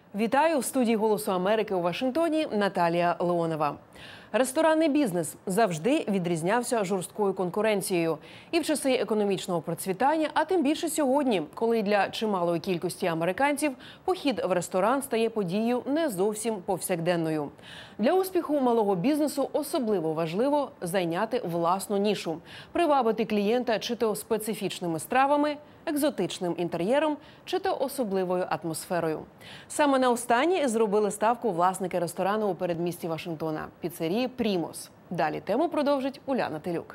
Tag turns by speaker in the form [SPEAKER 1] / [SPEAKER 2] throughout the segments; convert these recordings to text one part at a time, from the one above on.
[SPEAKER 1] Вітаю! В студії «Голосу Америки» у Вашингтоні Наталія Леонова. Ресторанний бізнес завжди відрізнявся жорсткою конкуренцією. І в часи економічного процвітання, а тим більше сьогодні, коли для чималої кількості американців похід в ресторан стає подією не зовсім повсякденною. Для успіху малого бізнесу особливо важливо зайняти власну нішу, привабити клієнта чи то специфічними стравами, екзотичним інтер'єром чи то особливою атмосферою. Саме на останнє зробили ставку власники ресторану у передмісті Вашингтона – піцерії «Примус». Далі тему продовжить Уляна Телюк.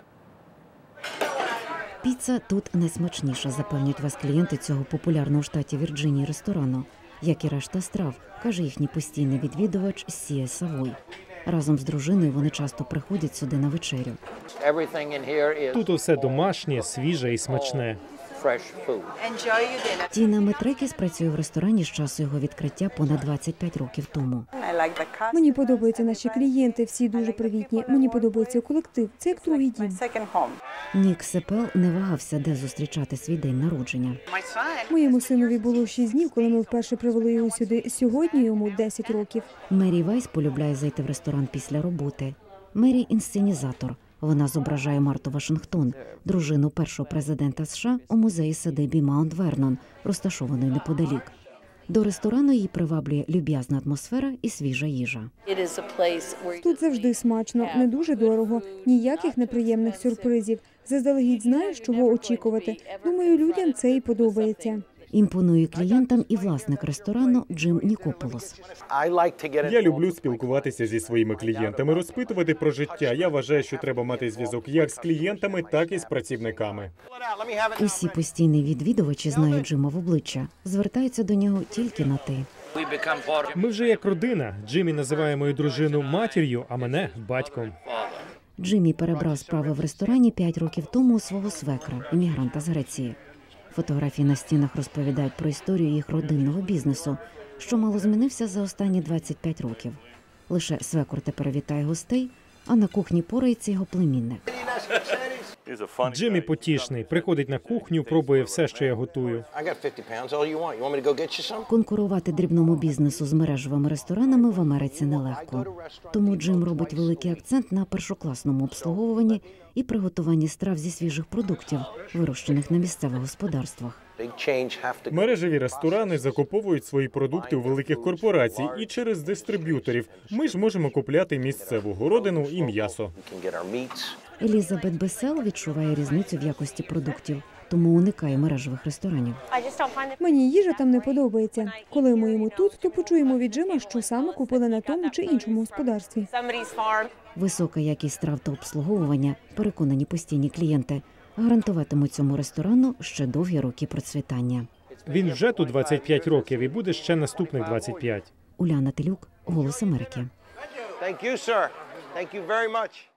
[SPEAKER 2] Піца тут найсмачніша, запевнюють вас клієнти цього популярного в штаті Вірджинії ресторану. Як і решта страв, каже їхній постійний відвідувач Сія Савой. Разом з дружиною вони часто приходять сюди на вечерю.
[SPEAKER 3] Тут усе домашнє, свіже і смачне.
[SPEAKER 2] Тіна Метрекіс працює в ресторані з часу його відкриття понад 25 років тому.
[SPEAKER 4] Мені подобаються наші клієнти, всі дуже привітні. Мені подобається колектив. Це як другий дім.
[SPEAKER 2] Нік Сепел не вагався, де зустрічати свій день народження.
[SPEAKER 4] Моєму синові було 6 днів, коли ми вперше привели його сюди. Сьогодні йому 10 років.
[SPEAKER 2] Мері Вайс полюбляє зайти в ресторан після роботи. Мері – інсценізатор. Вона зображає Марту Вашингтон, дружину першого президента США, у музеї садибі Маунт Вернон, розташованої неподалік. До ресторану її приваблює люб'язна атмосфера і свіжа їжа.
[SPEAKER 4] Тут завжди смачно, не дуже дорого, ніяких неприємних сюрпризів. Заздалегідь знаєш, чого очікувати. Думаю, людям це і подобається.
[SPEAKER 2] Імпонує клієнтам і власник ресторану Джим Нікополос.
[SPEAKER 3] Я люблю спілкуватися зі своїми клієнтами, розпитувати про життя. Я вважаю, що треба мати зв'язок як з клієнтами, так і з працівниками.
[SPEAKER 2] Усі постійні відвідувачі знають Джима в обличчя, звертаються до нього тільки на «ти».
[SPEAKER 3] Ми вже як родина. Джиммі називає мою дружину матір'ю, а мене – батьком.
[SPEAKER 2] Джиммі перебрав справи в ресторані 5 років тому у свого свекра, іммігранта з Греції. Фотографії на стінах розповідають про історію їх родинного бізнесу, що мало змінився за останні 25 років. Лише свекор тепер вітає гостей, а на кухні порається його племінник.
[SPEAKER 3] Джиммі потішний. Приходить на кухню, пробує все, що я готую.
[SPEAKER 2] Конкурувати дрібному бізнесу з мережевими ресторанами в Америці нелегко. Тому Джим робить великий акцент на першокласному обслуговуванні і приготуванні страв зі свіжих продуктів, вирощених на місцевих господарствах.
[SPEAKER 3] Мережеві ресторани закуповують свої продукти у великих корпорацій і через дистриб'юторів. Ми ж можемо купляти місцеву городину і м'ясо.
[SPEAKER 2] Елізабет Бесел відчуває різницю в якості продуктів, тому уникає мережевих ресторанів.
[SPEAKER 4] Мені їжа там не подобається. Коли ми їмо тут, то почуємо від Джима, що саме купили на тому чи іншому господарстві.
[SPEAKER 2] Висока якість страв та обслуговування, переконані постійні клієнти, гарантуватимуть цьому ресторану ще довгі роки процвітання.
[SPEAKER 3] Він вже тут 25 років і буде ще наступних 25.
[SPEAKER 2] Уляна Телюк, «Голос Америки».